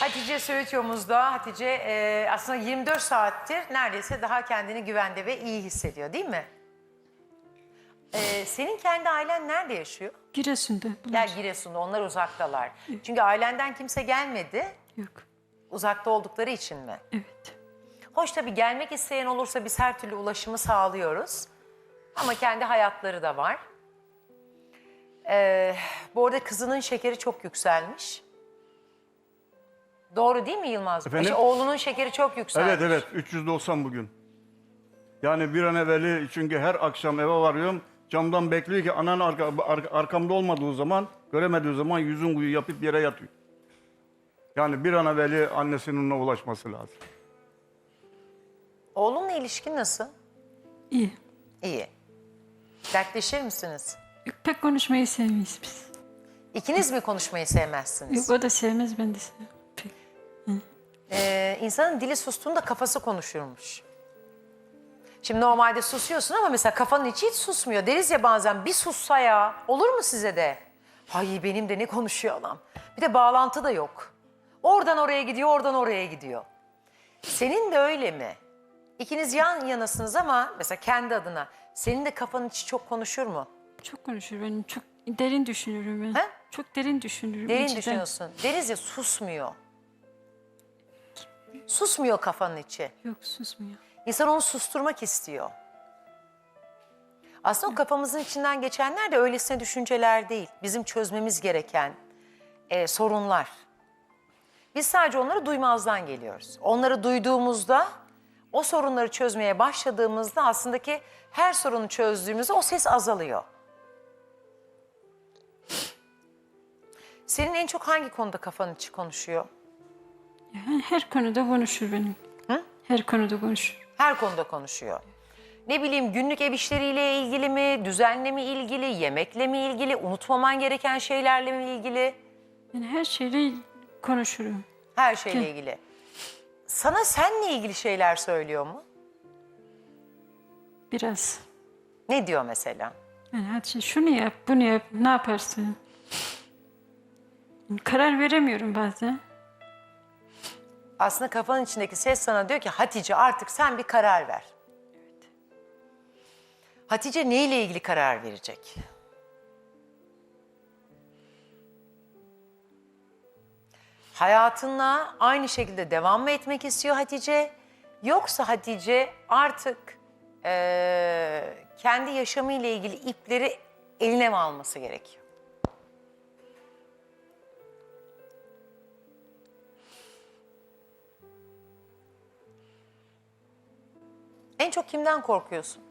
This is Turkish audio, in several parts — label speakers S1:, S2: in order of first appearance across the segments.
S1: Hatice Söğütüyor'umuzda. Hatice aslında 24 saattir neredeyse daha kendini güvende ve iyi hissediyor, değil mi? Senin kendi ailen nerede yaşıyor?
S2: Giresun'da.
S1: Ya Giresun'da, onlar uzaktalar. Çünkü ailenden kimse gelmedi.
S2: Yok.
S1: Uzakta oldukları için mi?
S2: Evet.
S1: Hoş, tabii gelmek isteyen olursa biz her türlü ulaşımı sağlıyoruz. Ama kendi hayatları da var. Bu arada kızının şekeri çok yükselmiş. Doğru değil mi Yılmaz?
S3: Efendim?
S1: Oğlunun şekeri çok yükselmiş.
S3: Evet 390 bugün. Yani bir an evveli, çünkü her akşam eve varıyorum. Camdan bekliyor ki anan arkamda olmadığı zaman, göremediği zaman yüzün kuyu yapıp yere yatıyor. Yani bir an evveli annesinin ona ulaşması lazım.
S1: Oğlunla ilişkin nasıl?
S2: İyi.
S1: İyi. Dertleşir misiniz?
S2: Yok, pek konuşmayı sevmeyiz biz.
S1: İkiniz mi konuşmayı sevmezsiniz?
S2: Yok, o da sevmez, ben de sevmem. Pek.
S1: İnsanın dili sustuğunda kafası konuşurmuş. Şimdi normalde susuyorsun ama mesela kafanın içi hiç susmuyor. Deriz ya bazen, bir sussa ya. Olur mu size de? Ay benim de ne konuşuyor adam. Bir de bağlantı da yok. Oradan oraya gidiyor, oradan oraya gidiyor. Senin de öyle mi? İkiniz yan yanasınız ama mesela kendi adına. Senin de kafanın içi çok konuşur mu?
S2: Çok konuşur, ben çok derin düşünürüm ben.
S1: He?
S2: Çok derin düşünürüm.
S1: Derin
S2: içten.
S1: düşünüyorsun. Deriz ya, susmuyor. Susmuyor kafanın içi.
S2: Yok, susmuyor.
S1: İnsan onu susturmak istiyor. Aslında o kafamızın içinden geçenler de öylesine düşünceler değil. Bizim çözmemiz gereken sorunlar. Biz sadece onları duymazdan geliyoruz. Onları duyduğumuzda, o sorunları çözmeye başladığımızda aslında ki her sorunu çözdüğümüzde o ses azalıyor. Senin en çok hangi konuda kafanın içi konuşuyor?
S2: Yani her konuda konuşur benim.
S1: Hı?
S2: Her konuda konuşur.
S1: Her konuda konuşuyor. Ne bileyim, günlük ev işleriyle ilgili mi, düzenle mi ilgili, yemekle mi ilgili, unutmaman gereken şeylerle mi ilgili?
S2: Yani her şeyle konuşurum.
S1: Her şeyle ilgili. Sana seninle ilgili şeyler söylüyor mu?
S2: Biraz.
S1: Ne diyor mesela?
S2: Yani hadi şunu yap, bunu yap, ne yaparsın? Yani karar veremiyorum bazen.
S1: Aslında kafanın içindeki ses sana diyor ki Hatice artık sen bir karar ver.
S2: Evet.
S1: Hatice neyle ilgili karar verecek? Hayatına aynı şekilde devam mı etmek istiyor Hatice? Yoksa Hatice artık kendi yaşamıyla ilgili ipleri eline mi alması gerekiyor? En çok kimden korkuyorsun?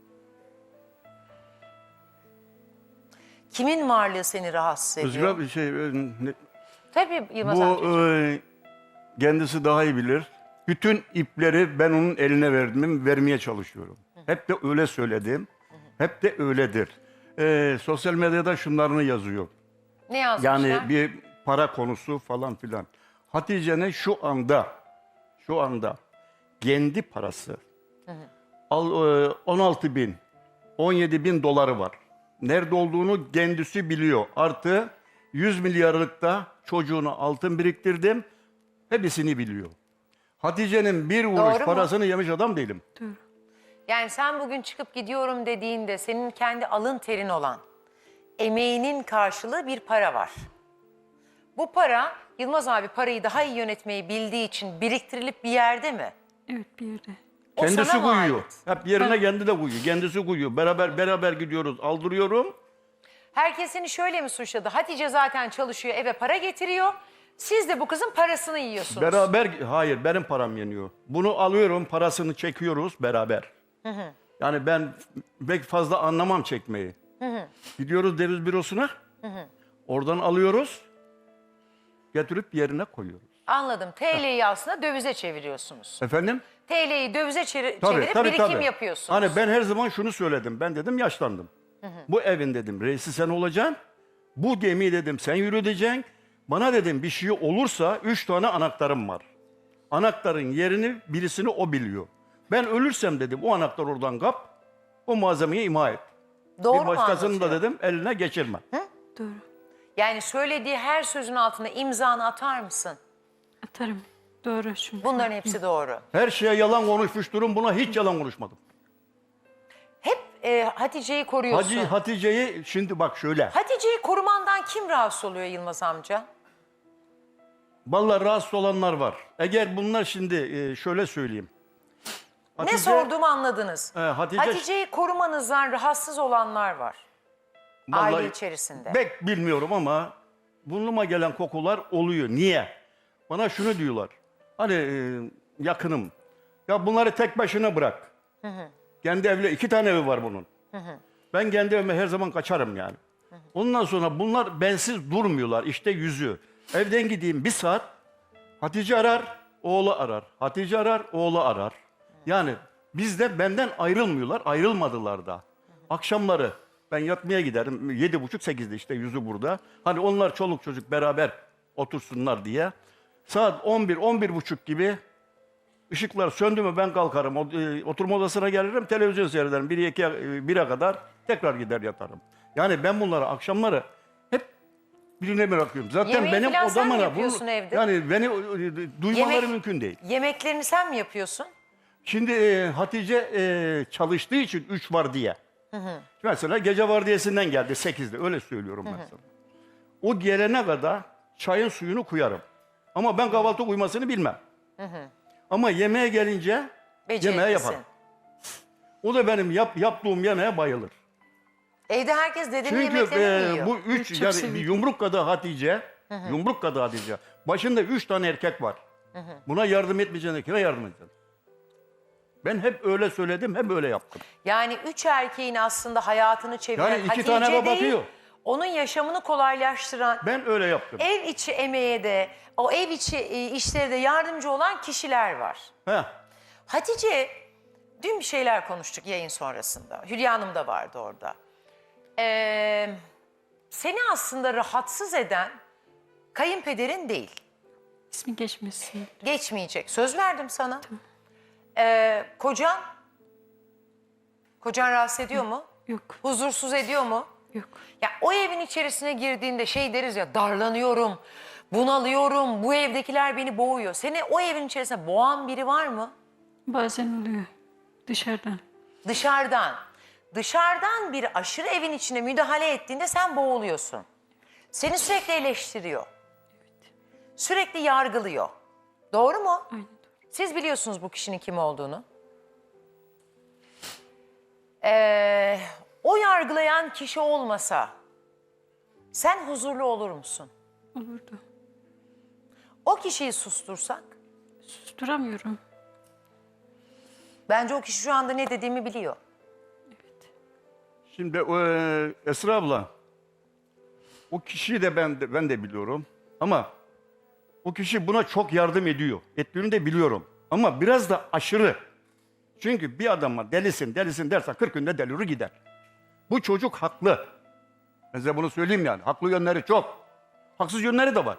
S1: Kimin varlığı seni rahatsız ediyor?
S3: Özgür abi
S1: Tabii Yılmaz
S3: bu
S1: amcacığım.
S3: kendisi daha iyi bilir. Bütün ipleri ben onun eline vermeye çalışıyorum. Hep de öyle söyledim. Hep de öyledir. Sosyal medyada şunlarını yazıyor.
S1: Ne yazmışlar?
S3: Yani bir para konusu falan filan. Hatice'nin şu anda kendi parası 16 bin, 17 bin doları var. Nerede olduğunu kendisi biliyor. Artı 100 milyarlıkta çocuğuna altın biriktirdim. Hepsini biliyor. Hatice'nin bir
S1: Doğru
S3: vuruş
S1: mu?
S3: parasını yemiş adam değilim.
S2: Doğru.
S1: Yani sen bugün çıkıp gidiyorum dediğinde senin kendi alın terin olan emeğinin karşılığı bir para var. Bu para, Yılmaz abi parayı daha iyi yönetmeyi bildiği için biriktirilip bir yerde mi?
S2: Evet, bir yerde.
S1: O
S3: Kendisi
S1: sana mı
S3: koyuyor.
S1: ait?
S3: Hep yerine kendi de koyuyor. Kendisi koyuyor. Beraber gidiyoruz. Aldırıyorum.
S1: Herkes seni şöyle mi suçladı? Hatice zaten çalışıyor, eve para getiriyor. Siz de bu kızın parasını yiyorsunuz.
S3: Hayır, benim param yeniyor. Bunu alıyorum, parasını çekiyoruz beraber. Yani ben pek fazla anlamam çekmeyi. Gidiyoruz döviz bürosuna. Oradan alıyoruz. Getirip yerine koyuyoruz.
S1: Anladım. TL'yi aslında dövize çeviriyorsunuz.
S3: Efendim?
S1: TL'yi dövize çevirip birikim yapıyorsunuz.
S3: Hani ben her zaman şunu söyledim. Ben dedim yaşlandım. Bu evin dedim reisi sen olacaksın. Bu gemiyi dedim sen yürüteceksin. Bana dedim bir şey olursa 3 tane anahtarım var. Anahtarın yerini birisini o biliyor. Ben ölürsem dedim o anahtar oradan kap. O malzemeyi imha et.
S1: Doğru
S3: Bir
S1: mu
S3: başkasının da
S1: anlatıyor?
S3: dedim eline geçirme.
S2: Doğru.
S1: Yani söylediği her sözün altına imzanı atar mısın?
S2: Atarım. atarım. Doğru çünkü.
S1: Bunların hepsi doğru.
S3: Her şeye yalan konuşmuş durum. Buna hiç yalan konuşmadım.
S1: Hep Hatice'yi koruyorsun.
S3: Hatice'yi şimdi bak şöyle.
S1: Hatice'yi korumandan kim rahatsız oluyor Yılmaz amca?
S3: Vallahi rahatsız olanlar var. Eğer bunlar şimdi şöyle söyleyeyim.
S1: Ne sorduğumu anladınız.
S3: Hatice-
S1: Hatice'yi korumanızdan rahatsız olanlar var.
S3: Vallahi
S1: Aile içerisinde.
S3: Pek bilmiyorum ama burnuma gelen kokular oluyor. Niye? Bana şunu diyorlar. Hani yakınım. Ya bunları tek başına bırak. Kendi evle 2 tane evi var bunun. Ben kendi evime her zaman kaçarım yani. Ondan sonra bunlar bensiz durmuyorlar. İşte yüzü. Evden gideyim 1 saat. Hatice arar, oğlu arar. Hatice arar, oğlu arar. Yani bizde benden ayrılmıyorlar. Ayrılmadılar da. Akşamları ben yatmaya giderim. 7.30-8'de işte yüzü burada. Hani onlar çoluk çocuk beraber otursunlar diye. Saat 11-11.30 gibi ışıklar söndü mü ben kalkarım. Oturma odasına gelirim, televizyon seyrederim. 1'e kadar tekrar gider yatarım. Yani ben bunları akşamları hep birine bırakıyorum. Zaten
S1: Yemeği
S3: benim
S1: falan sen mi
S3: odamına
S1: yapıyorsun evde?
S3: yani beni duymaları
S1: Yemek-
S3: mümkün değil.
S1: Yemeklerini sen mi yapıyorsun?
S3: Şimdi Hatice çalıştığı için 3 var diye. Mesela gece vardiyasından geldi 8'de öyle söylüyorum mesela. O gelene kadar çayın suyunu koyarım. Ama ben kahvaltı uymasını bilmem. Ama yemeğe gelince yemeğe
S1: Beceriklisin.
S3: yaparım. O da benim yaptığım yemeğe bayılır.
S1: Evde herkes dedenin
S3: Çünkü
S1: yemeklerini mi yiyor?
S3: bu 3
S2: Çok
S3: yani
S2: sevindim.
S3: bir yumruk kadar Hatice, yumruk kadar Hatice. Başında 3 tane erkek var. Buna yardım etmeyeceğine kime yardım edeceksin? Ben hep öyle söyledim, hep öyle yaptım.
S1: Yani 3 erkeğin aslında hayatını çeviren
S3: Yani iki
S1: Hatice
S3: tane
S1: değil,
S3: bakıyor.
S1: onun yaşamını kolaylaştıran,
S3: Ben öyle yaptım.
S1: ev içi emeğe de, o ev içi işlere de yardımcı olan kişiler var.
S3: Heh.
S1: Hatice, dün bir şeyler konuştuk yayın sonrasında. Hülya Hanım da vardı orada. Seni aslında rahatsız eden kayınpederin değil.
S2: İsmi geçmesin.
S1: Geçmeyecek. Söz verdim sana. Kocan? Kocan rahatsız ediyor mu?
S2: Yok.
S1: Huzursuz ediyor mu?
S2: Yok.
S1: Ya o evin içerisine girdiğinde şey deriz ya, darlanıyorum, bunalıyorum, bu evdekiler beni boğuyor. Seni o evin içerisinde boğan biri var mı?
S2: Bazen oluyor. Dışarıdan.
S1: Dışarıdan. Dışarıdan bir aşırı evin içine müdahale ettiğinde sen boğuluyorsun. Seni sürekli eleştiriyor. Sürekli yargılıyor. Doğru mu?
S2: Aynen doğru.
S1: Siz biliyorsunuz bu kişinin kim olduğunu. O yargılayan kişi olmasa sen huzurlu olur musun?
S2: Olurdu.
S1: O kişiyi sustursak
S2: Susturamıyorum.
S1: bence o kişi şu anda ne dediğimi biliyor.
S3: Şimdi Esra abla, o kişiyi de ben de biliyorum. Ama o kişi buna çok yardım ediyor. Ettiğini de biliyorum. Ama biraz da aşırı. Çünkü bir adama delisin dersen 40 günde deliri gider. Bu çocuk haklı. Ben size bunu söyleyeyim yani. Haklı yönleri çok. Haksız yönleri de var.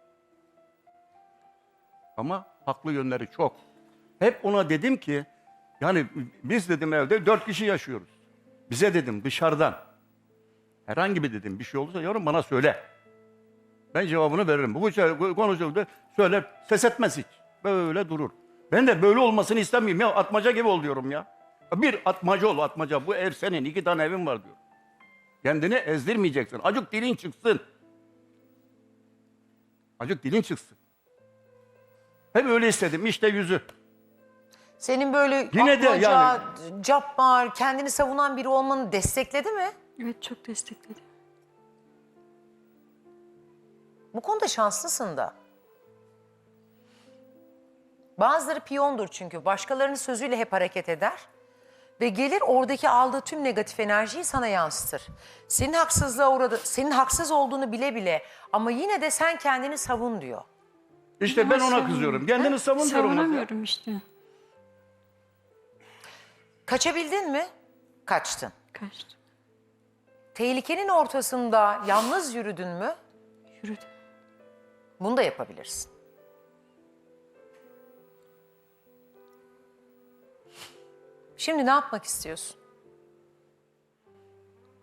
S3: Ama haklı yönleri çok. Hep ona dedim ki, yani biz dedim evde 4 kişi yaşıyoruz. Bize dedim dışarıdan. Herhangi bir dedim bir şey olursa yavrum bana söyle. Ben cevabını veririm. Bu konuşuldu söyle, ses etmez hiç. Böyle durur. Ben de böyle olmasını istemiyorum ya. Atmaca gibi ol diyorum ya. Bir atmaca ol atmaca. Bu ev senin, 2 tane evin var diyor. Kendini ezdirmeyeceksin. Acık dilin çıksın. Acık dilin çıksın. Hep öyle istedim. İşte yüzü.
S1: Senin böyle
S3: Yine de
S1: atmaca,
S3: yani-
S1: cabbar, kendini savunan biri olmanı destekledi mi?
S2: Evet çok destekledi.
S1: Bu konuda şanslısın da. Bazıları piyondur çünkü. Başkalarının sözüyle hep hareket eder. Ve gelir oradaki aldığı tüm negatif enerjiyi sana yansıtır. Senin haksızlığa uğradı, senin haksız olduğunu bile bile ama yine de sen kendini savun diyor.
S3: İşte ben ona kızıyorum. Kendini savun diyorum.
S2: Savunamıyorum işte.
S1: Kaçabildin mi? Kaçtın.
S2: Kaçtım.
S1: Tehlikenin ortasında yalnız yürüdün mü?
S2: Yürüdüm.
S1: Bunu da yapabilirsin. Şimdi ne yapmak istiyorsun?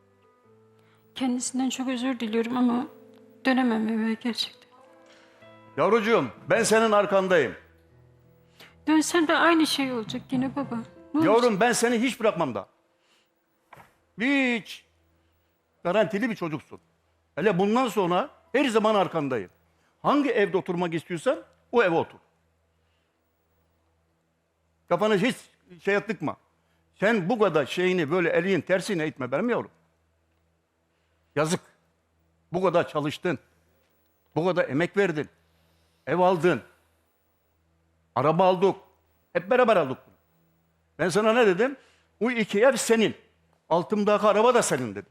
S2: Kendisinden çok özür diliyorum ama dönemem eve gerçekten.
S3: Yavrucuğum ben senin arkandayım.
S2: Dönsem de aynı şey olacak yine baba. Ne olacak?
S3: Yavrum ben seni hiç bırakmam da. Hiç. Garantili bir çocuksun. Hele bundan sonra her zaman arkandayım. Hangi evde oturmak istiyorsan o eve otur. Kafanı hiç şeye tıkma. Sen bu kadar şeyini böyle elin tersine itme benim yavrum. Yazık. Bu kadar çalıştın. Bu kadar emek verdin. Ev aldın. Araba aldık. Hep beraber aldık. Ben sana ne dedim? Bu iki ev senin. Altımdaki araba da senin dedim.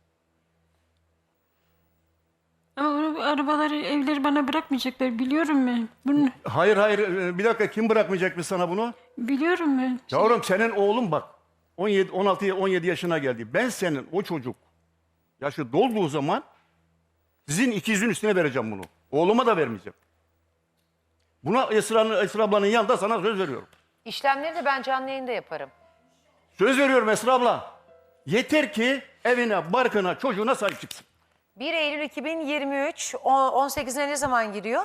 S2: Ama arabaları, evleri bana bırakmayacaklar. Biliyorum ben. Bunu
S3: Hayır hayır bir dakika kim bırakmayacakmış sana bunu?
S2: biliyorum ben.
S3: Yavrum senin oğlun bak 17 16 17 yaşına geldi. Ben senin o çocuk yaşı dolduğu zaman sizin ikizin üstüne vereceğim bunu. Oğluma da vermeyeceğim. Buna Esra ablanın yanında sana söz veriyorum.
S1: İşlemleri de ben canlı yayında yaparım.
S3: Söz veriyorum Esra abla. Yeter ki evine, barkına, çocuğuna sahip çıksın.
S1: 1 Eylül 2023, 18'ine ne zaman giriyor?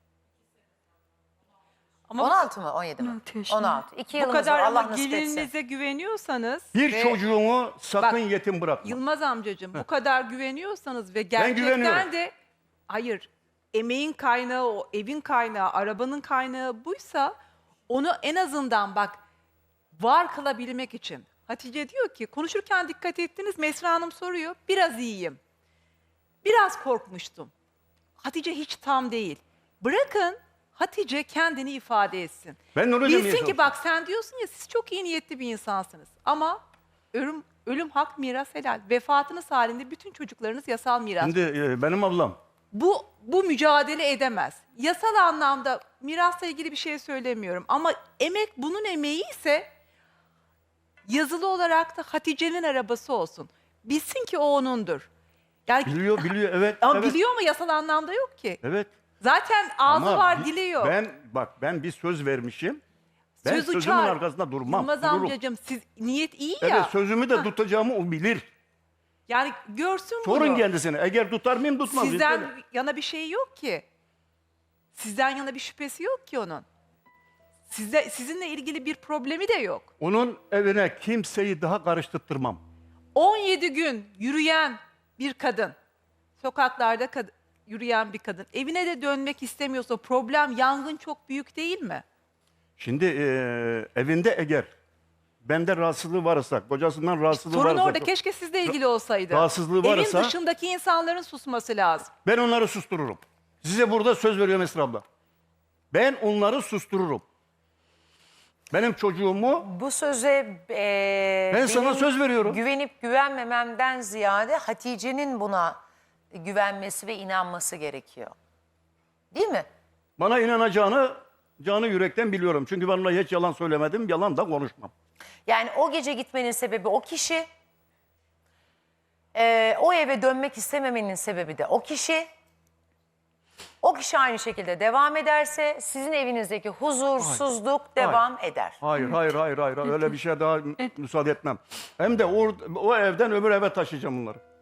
S4: Ama
S1: 16 mı? 17 mi?
S2: 16 yaşında.
S1: 16. 2
S4: bu
S1: yılımız
S4: kadar
S1: var. Allah
S4: ama
S1: nasip etsin.
S4: gelininize güveniyorsanız
S3: Bir
S4: ve
S3: çocuğumu sakın
S4: Bak,
S3: yetim bırakma.
S4: Yılmaz amcacığım bu kadar güveniyorsanız ve
S3: güveniyorum.
S4: gerçekten de hayır emeğin kaynağı o evin kaynağı arabanın kaynağı buysa onu en azından bak var kılabilmek için. Hatice diyor ki konuşurken dikkat ettiniz Mesra Hanım soruyor biraz iyiyim. Biraz korkmuştum. Hatice hiç tam değil. Bırakın Hatice kendini ifade etsin.
S3: Ben onu demeye
S4: Bilsin ki
S3: çalışıyorum.
S4: bak sen diyorsun ya siz çok iyi niyetli bir insansınız. Ama ölüm hak miras helal. Vefatınız halinde bütün çocuklarınız yasal miras.
S3: Şimdi benim ablam.
S4: Bu mücadele edemez. Yasal anlamda mirasla ilgili bir şey söylemiyorum. Ama emek bunun emeği ise yazılı olarak da Hatice'nin arabası olsun. Bilsin ki o onundur. Yani,
S3: Biliyor evet.
S4: ama
S3: evet.
S4: biliyor ama yasal anlamda yok ki.
S3: Evet.
S4: Zaten ağzı
S3: Ama
S4: var dili yok.
S3: Ben bir söz vermişim. Ben
S4: Söz
S3: sözümün
S4: uçar.
S3: arkasında durmam.
S4: Yılmaz
S3: dururum.
S4: amcacığım siz niyet iyi
S3: Evet
S4: ya.
S3: sözümü de tutacağımı o bilir.
S4: Yani görsün
S3: Sorun
S4: bunu.
S3: kendisine. Eğer tutar mıyım tutmaz mıyım?
S4: Sizden
S3: Söyle.
S4: yana bir şey yok ki. Sizden yana bir şüphesi yok ki onun. Sizinle ilgili bir problemi de yok.
S3: Onun evine kimseyi daha karıştırtmam.
S4: 17 gün yürüyen bir kadın, sokaklarda yürüyen bir kadın, evine de dönmek istemiyorsa problem, yangın çok büyük değil mi?
S3: Şimdi evinde eğer bende rahatsızlığı varsa, kocasından rahatsızlığı
S4: Sorun
S3: varsa,
S4: orada keşke sizle ilgili olsaydı.
S3: rahatsızlığı varsa-
S4: Evin dışındaki insanların susması lazım.
S3: ben onları sustururum. Size burada söz veriyorum Esra abla. Ben onları sustururum. Benim çocuğumu
S1: Bu söze
S3: Ben sana
S1: benim
S3: söz veriyorum.
S1: güvenip güvenmememden ziyade Hatice'nin buna güvenmesi ve inanması gerekiyor. Değil mi?
S3: bana inanacağını canı yürekten biliyorum. Çünkü ben ona hiç yalan söylemedim, yalan da konuşmam.
S1: Yani o gece gitmenin sebebi o kişi. O eve dönmek istememenin sebebi de o kişi. O kişi aynı şekilde devam ederse sizin evinizdeki huzursuzluk devam eder.
S3: Hayır, hayır. Öyle bir şey daha müsaade etmem. Hem de o evden öbür eve taşıyacağım bunları.